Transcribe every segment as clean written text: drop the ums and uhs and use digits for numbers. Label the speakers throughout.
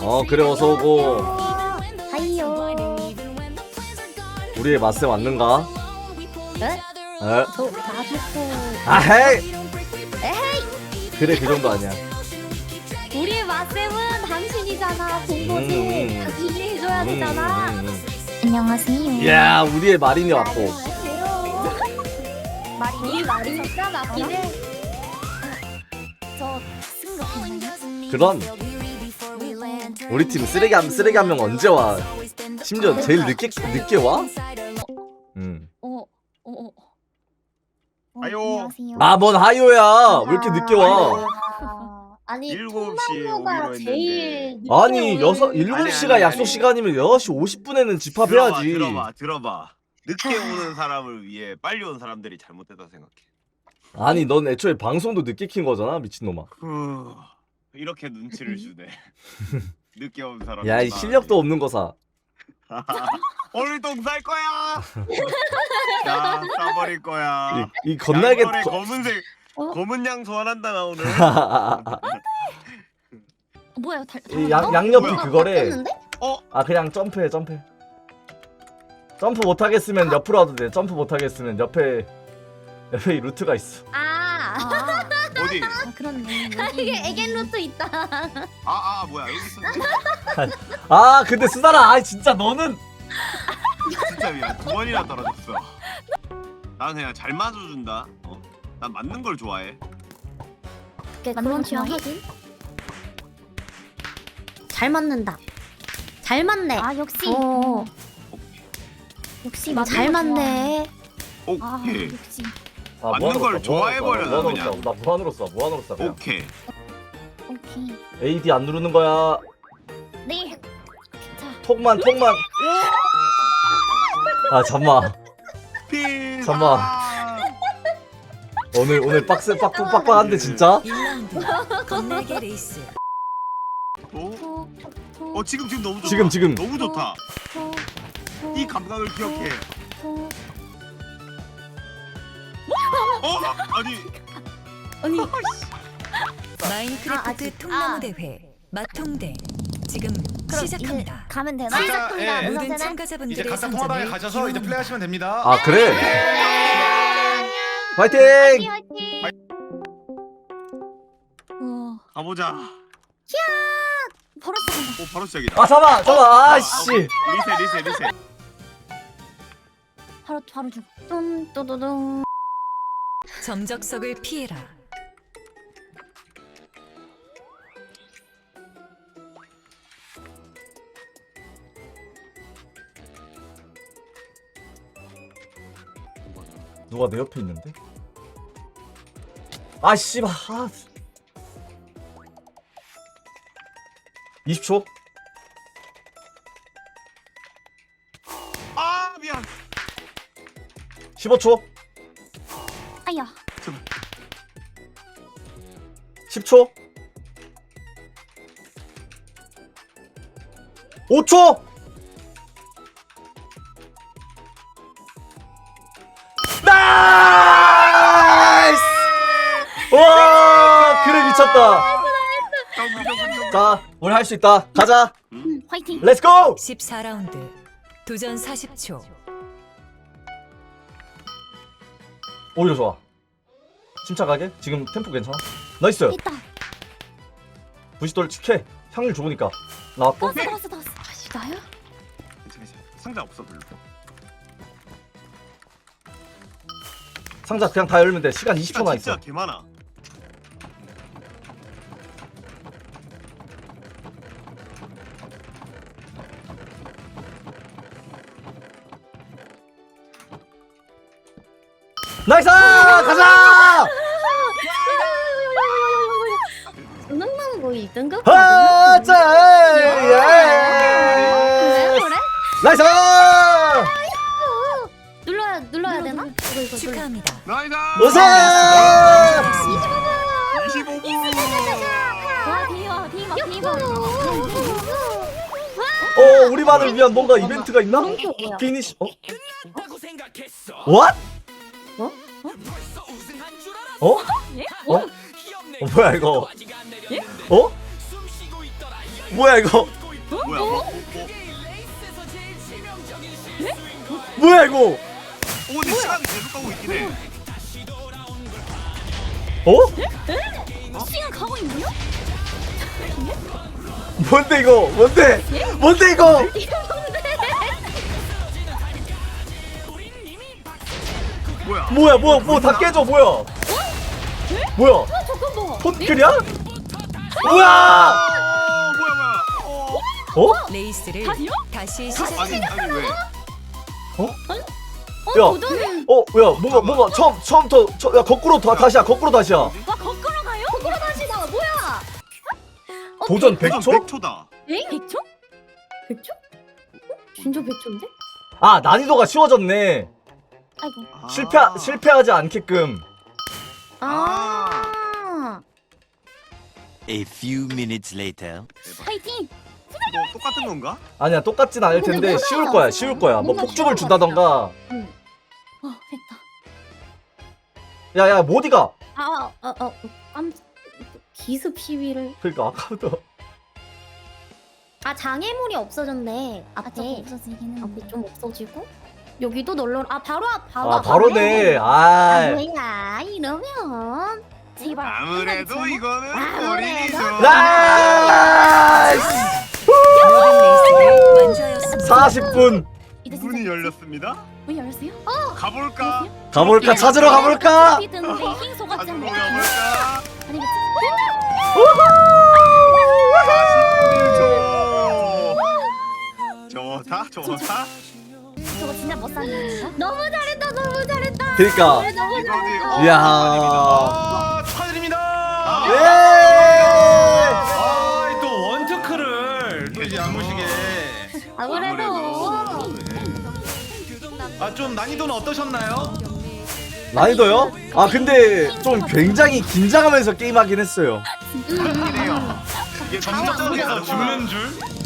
Speaker 1: 그래 어서오고.
Speaker 2: 하이요.
Speaker 1: 우리의 맛에 맞는가?
Speaker 2: 에?
Speaker 1: 에?
Speaker 2: 저 나부터.
Speaker 1: 아헤이!
Speaker 2: 에헤이.
Speaker 1: 그래 그 정도 아니야.
Speaker 2: 우리의 맛쌤은 당신이잖아. 본거지. 당신이 해줘야 되잖아. 안녕하세요.
Speaker 1: 야 우리의 마린이 왔고.
Speaker 2: 말이 진짜 맞긴 해. 저 승급했나요?
Speaker 1: 그럼 우리 팀 쓰레기 한 명 언제 와? 심지어 제일 늦게 와?
Speaker 3: 아요.
Speaker 2: 안녕하세요.
Speaker 1: 아 뭔 하요야? 왜 이렇게 늦게 와?
Speaker 2: 아니
Speaker 3: 7시에
Speaker 2: 통나무가
Speaker 3: 오기로
Speaker 2: 제일
Speaker 3: 했는데.
Speaker 1: 아니
Speaker 2: 늦게 오는-
Speaker 1: 7시가
Speaker 3: 아니.
Speaker 1: 약속 시간이면 6시 50분에는 집합해야지.
Speaker 3: 들어봐. 늦게 오는 사람을 위해 빨리 온 사람들이 잘못됐다 생각해.
Speaker 1: 아니 넌 애초에 방송도 늦게 킨 거잖아 미친놈아.
Speaker 3: 이렇게 눈치를 주네. 늦게 온 사람.
Speaker 1: 야 이 실력도 없는 거사.
Speaker 3: 오늘 똥 쌀 거야. 자, 싸버릴 거야.
Speaker 1: 이 건날개
Speaker 3: 양털에 검은색 검은 양 소환한다 나 오늘.
Speaker 2: 뭐야?
Speaker 1: 이 양옆이
Speaker 3: 뭐야?
Speaker 1: 그거래.
Speaker 2: 바뀌었는데?
Speaker 1: 아 그냥 점프해. 점프 못하겠으면 옆으로 와도 돼. 점프 못하겠으면 옆에 이 루트가 있어.
Speaker 3: 어디?
Speaker 2: 그렇네. 이게 에겐 루트 있다.
Speaker 3: 뭐야 여기 있어.
Speaker 1: 아 근데 수달아 진짜 너는
Speaker 3: 진짜 미안. 2번이나 떨어졌어. 난 그냥 잘 맞아준다. 난 맞는 걸 좋아해.
Speaker 2: 그런 취향하긴. 잘 맞는다. 잘 맞네. 역시. 역시 잘 맞네.
Speaker 3: 오케이.
Speaker 2: 역시.
Speaker 3: 맞는 걸 좋아해버려, 나 그냥.
Speaker 1: 나 무한으로 써 그냥.
Speaker 3: 오케이.
Speaker 2: 오케이.
Speaker 1: AD 안 누르는 거야.
Speaker 2: 네.
Speaker 1: 톡만 아 잠만 오늘 빡세 빡빡한데 진짜.
Speaker 4: 1라운드 건날개 레이스.
Speaker 3: 지금 너무 좋다.
Speaker 1: 지금
Speaker 3: 너무 좋다. 이 감각을 기억해. 아니
Speaker 4: 마인크래프트 통나무 대회 마통대 지금 시작합니다.
Speaker 2: 가면 되나?
Speaker 5: 진짜,
Speaker 2: 시작합니다.
Speaker 5: 예.
Speaker 4: 모든
Speaker 5: 이제
Speaker 4: 참가자분들의
Speaker 5: 각자 통화방에 가셔서 이제 플레이하시면 됩니다.
Speaker 1: 아 그래. 화이팅.
Speaker 3: 가보자.
Speaker 2: 바로 시작한다.
Speaker 3: 바로 시작이다.
Speaker 1: 아 잠깐 아씨.
Speaker 3: 리셋.
Speaker 2: 바로 줘. 뚠뚜두둥.
Speaker 4: 점적석을 피해라.
Speaker 1: 누가 내 옆에 있는데? 아 씨발. 20초.
Speaker 3: 미안.
Speaker 1: 15초.
Speaker 2: 아야.
Speaker 1: 10초. 5초. 나이스! 와, 그래 미쳤다. 자, 우리 할 수 있다. 가자.
Speaker 2: 화이팅.
Speaker 1: 렛츠 고!
Speaker 4: 14라운드 도전 40초.
Speaker 1: 오히려 좋아. 침착하게. 지금 템포 괜찮아? 나이스.
Speaker 2: 있다.
Speaker 1: 부시돌 칙해. 향률 좋으니까. 나왔고.
Speaker 2: 나왔어. 나야?
Speaker 3: 상자 없어 별로.
Speaker 1: 상자 그냥 다 열면 돼. 시간 20초만
Speaker 3: 진짜
Speaker 1: 있어.
Speaker 3: 개 많아.
Speaker 1: 나이스! 가자!
Speaker 2: 은행나무 거의 1등급?
Speaker 1: 하자! 예!
Speaker 2: 그래?
Speaker 1: 나이스!
Speaker 2: 눌러야 되나? 이거
Speaker 4: 축하합니다.
Speaker 3: 나이스.
Speaker 1: 우승!
Speaker 3: 25분.
Speaker 2: 대박.
Speaker 1: 우리만을 위한 뭔가 이벤트가 있나?
Speaker 2: 뭐야?
Speaker 1: 피니시. What? 뭐야 이거? 뭐야 이거?
Speaker 3: 뭐야 뭐?
Speaker 1: 뭐야 이거?
Speaker 3: 오 근데 시간이 계속 가고 있긴 해.
Speaker 1: 어?
Speaker 2: 시간 가고 있네요?
Speaker 1: 뭔데 이거? 뭔데? 뭔데 이거?
Speaker 3: 뭐야?
Speaker 1: 뭐 다 깨져 뭐야? 뭐야?
Speaker 2: 잠깐만.
Speaker 1: 폰클이야? 뭐야?
Speaker 3: 뭐야?
Speaker 1: 어?
Speaker 4: 레이스를
Speaker 2: 다시요?
Speaker 4: 다시
Speaker 3: 아니
Speaker 4: 시작합니다.
Speaker 3: 아니 왜?
Speaker 1: 야.
Speaker 2: 도전.
Speaker 1: 야 뭔가 처음부터 야 거꾸로 다시야 거꾸로 다시야.
Speaker 2: 와 거꾸로 가요? 거꾸로 다시다. 뭐야?
Speaker 1: 도전
Speaker 3: 도전
Speaker 1: 100초?
Speaker 3: 100초다.
Speaker 2: 에? 100초? 100초? 진짜 100초인데?
Speaker 1: 아 난이도가 쉬워졌네.
Speaker 2: 아이고.
Speaker 1: 실패하지 않게끔.
Speaker 2: 아.
Speaker 6: A few minutes later.
Speaker 2: 파이팅.
Speaker 3: 뭐 똑같은 건가?
Speaker 1: 아니야 똑같진 않을
Speaker 2: 근데
Speaker 1: 텐데
Speaker 2: 뭔가-
Speaker 1: 쉬울 거야. 뭐
Speaker 2: 뭔가
Speaker 1: 폭죽을
Speaker 2: 쉬운
Speaker 1: 준다던가.
Speaker 2: 됐다.
Speaker 1: 야야 모디가.
Speaker 2: 기습 시위를.
Speaker 1: 그러니까 아까부터.
Speaker 2: 아 장애물이 없어졌네. 앞에
Speaker 7: 없어지기는
Speaker 2: 앞에 좀 없어지고 여기도 널널. 아 바로
Speaker 1: 아 바로네. 아.
Speaker 2: 뭐야 이러면
Speaker 7: 제발
Speaker 3: 아무래도 이거는
Speaker 2: 아무래도.
Speaker 3: 어린이죠.
Speaker 1: 나이스!
Speaker 4: 모든 레이스를 완주하였습니다.
Speaker 1: 40분
Speaker 3: 문이 열렸습니다.
Speaker 7: 문 열었어요?
Speaker 3: 가볼까?
Speaker 1: 가볼까 찾으러 가볼까?
Speaker 7: 피든데 흰 소같지
Speaker 3: 가지고
Speaker 7: 않네.
Speaker 3: 가볼까?
Speaker 7: 아니겠지?
Speaker 3: 41초. 좋다.
Speaker 7: 저거 진짜 못 사는 건가?
Speaker 2: 너무 잘했다 너무 잘했다.
Speaker 1: 그러니까.
Speaker 2: 너무
Speaker 3: 이거지.
Speaker 2: 잘했다.
Speaker 1: 이야.
Speaker 5: 아, 축하드립니다.
Speaker 1: 예!
Speaker 5: 아, 또 원투크를 또 이제 야무시게.
Speaker 2: 아무래도
Speaker 5: 아, 좀 난이도는 어떠셨나요?
Speaker 1: 난이도요? 아 근데 좀 굉장히 긴장하면서 게임하긴 했어요.
Speaker 3: 이래요. 이게
Speaker 5: 정적에서 죽는 줄?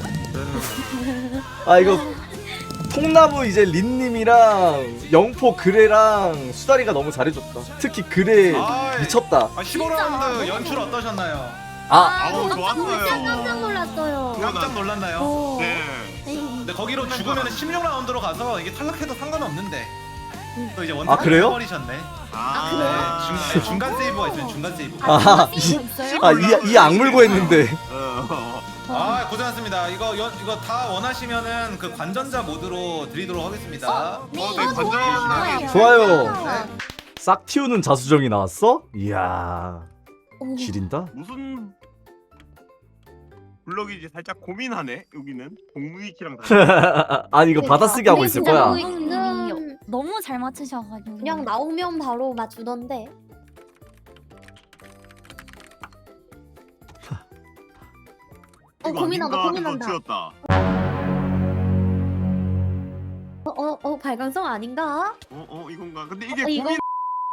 Speaker 1: 아 이거 통나무 이제 린님이랑 영포 그레랑 수다리가 너무 잘해줬다. 특히 그레
Speaker 5: 아이.
Speaker 1: 미쳤다.
Speaker 5: 아, 15라운드 연출 어떠셨나요?
Speaker 1: 아
Speaker 3: 아우 좋았어요.
Speaker 2: 깜짝 놀랐어요.
Speaker 5: 깜짝 놀랐나요?
Speaker 2: 어.
Speaker 3: 네.
Speaker 5: 근데 거기로 죽으면 16라운드로 가서 이게 탈락해도 상관없는데 또 이제
Speaker 1: 아,
Speaker 5: 원투크
Speaker 1: 그래요?
Speaker 5: 해버리셨네.
Speaker 3: 아,
Speaker 5: 네, 중간 세이브가 있어요. 중간 세이브.
Speaker 1: 이 악물고 했는데.
Speaker 5: 아, 고생하셨습니다. 이거 다 원하시면은 그 관전자 모드로 드리도록 하겠습니다.
Speaker 3: 네, 관전.
Speaker 1: 좋아요. 싹 틔우는 자수정이 나왔어? 이야 지린다.
Speaker 3: 무슨 블럭이지 살짝 고민하네. 여기는 공무위키랑
Speaker 1: 아니 이거 받아쓰기 하고 있을 거야.
Speaker 7: 너무 잘 맞추셔가지고
Speaker 2: 그냥 나오면 바로 맞추던데. 고민한다.
Speaker 3: 튀었다.
Speaker 2: 발광성 아닌가?
Speaker 3: 이건가? 근데 이게
Speaker 2: 이거-
Speaker 3: 고민.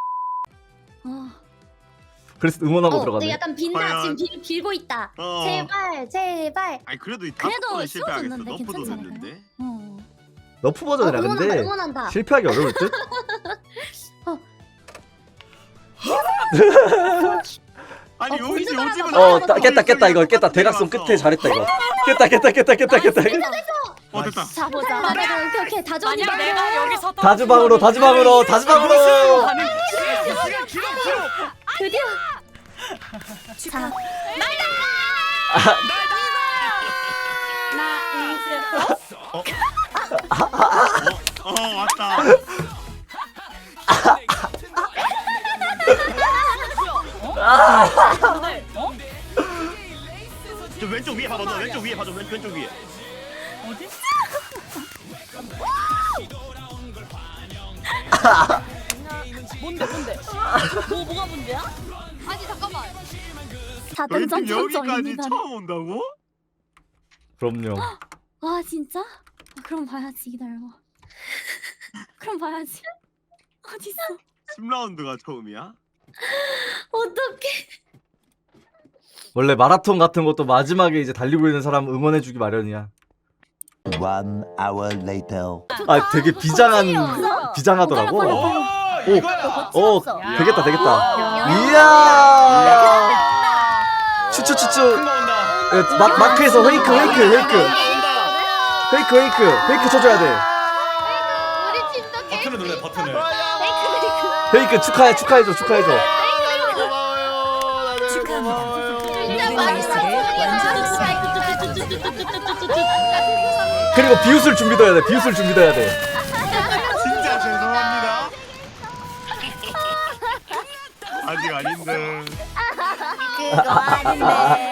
Speaker 1: 그래서 응원하고 들어가네.
Speaker 2: 약간 빈다.
Speaker 3: 과연-
Speaker 2: 지금 빌고 있다.
Speaker 3: 어.
Speaker 2: 제발.
Speaker 3: 아니 그래도 이
Speaker 7: 그래도
Speaker 3: 다섯 번은 실패하겠어.
Speaker 7: 쉬워졌는데
Speaker 3: 너프도
Speaker 7: 괜찮지 않을까요?
Speaker 3: 됐는데.
Speaker 1: 너프 버전이라 근데
Speaker 2: 응원한다.
Speaker 1: 실패하기 어려울 듯?
Speaker 3: 아니 요즘은
Speaker 1: 깼다 이거 깼다. 대각선 끝에 잘했다 이거. 깼다.
Speaker 3: 됐다.
Speaker 7: 자보자.
Speaker 2: 오케이. 다정이
Speaker 4: 만약 내가 여기서
Speaker 1: 다주방으로
Speaker 2: 드디어.
Speaker 7: 자,
Speaker 3: 왔다. 저 왼쪽 위에 봐봐. 너 왼쪽 위에 봐줘. 왼쪽 위에.
Speaker 7: 뭔데? 뭐가 문제야? 아니 잠깐만.
Speaker 3: 너희 팀
Speaker 7: 4등
Speaker 3: 여기까지
Speaker 7: 점점입니다.
Speaker 3: 처음 온다고?
Speaker 1: 그럼요.
Speaker 7: 와 진짜? 그럼 봐야지 기다려. 그럼 봐야지. 어딨어?
Speaker 3: 10라운드가 처음이야?
Speaker 2: 어떡해.
Speaker 1: 원래 마라톤 같은 것도 마지막에 이제 달리고 있는 사람 응원해주기 마련이야.
Speaker 6: 1 hour later.
Speaker 1: 아 되게 비장하더라고.
Speaker 5: 오, 이거야.
Speaker 1: 되겠다.
Speaker 2: 야.
Speaker 1: 이야. 추추.
Speaker 5: 큰 거 온다.
Speaker 1: 마크에서 페이크 쳐줘야 돼.
Speaker 2: 우리 팀도
Speaker 5: 버튼을 눌러 버튼을.
Speaker 1: 페이크 축하해줘.
Speaker 4: 축하합니다. 모든 레이스를 완주했습니다.
Speaker 1: 그리고 비웃을 준비도 해야 돼.
Speaker 3: 진짜 죄송합니다. 아직 아닌데.
Speaker 2: 그거 아닌데.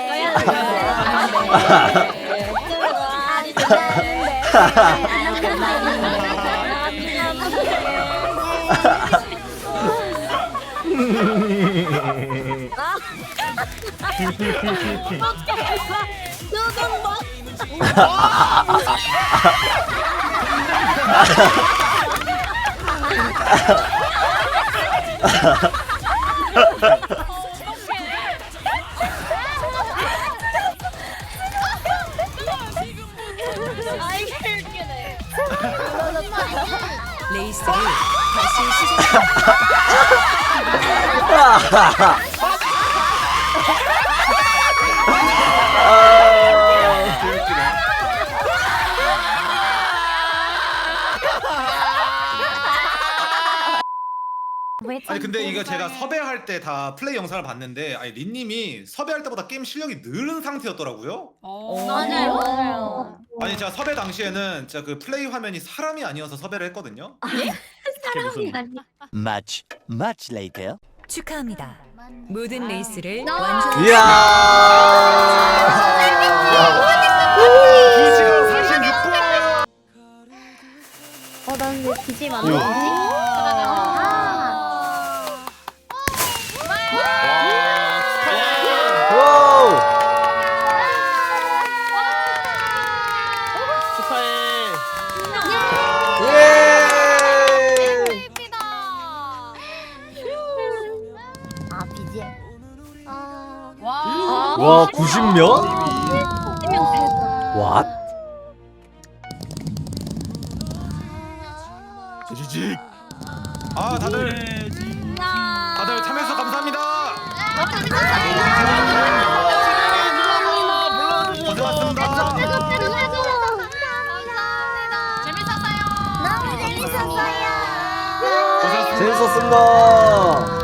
Speaker 4: 레이스를 다시 시작합니다.
Speaker 5: 아니 근데 이거 제가 섭외할 때 다 플레이 영상을 봤는데 아니 린님이 섭외할 때보다 게임 실력이 늘은 상태였더라고요.
Speaker 2: 맞아요.
Speaker 5: 아니 제가 섭외 당시에는 진짜 그 플레이 화면이 사람이 아니어서 섭외를 했거든요.
Speaker 6: Much, much later.
Speaker 4: 축하합니다. 모든 레이스를
Speaker 2: 나-
Speaker 4: 완주했습니다.
Speaker 1: 이야.
Speaker 3: 2시간 46분.
Speaker 2: 난 왜 BGM 안
Speaker 1: 오.
Speaker 2: 나오지?
Speaker 1: 와우. 예.
Speaker 2: BGM.
Speaker 1: 와 90명? 왓?
Speaker 3: 지지직.
Speaker 5: 아 다들 참여해서 감사합니다. 고생하셨습니다.
Speaker 2: 너무 재밌었어요.
Speaker 5: 고생하셨습니다.
Speaker 1: 재밌었습니다.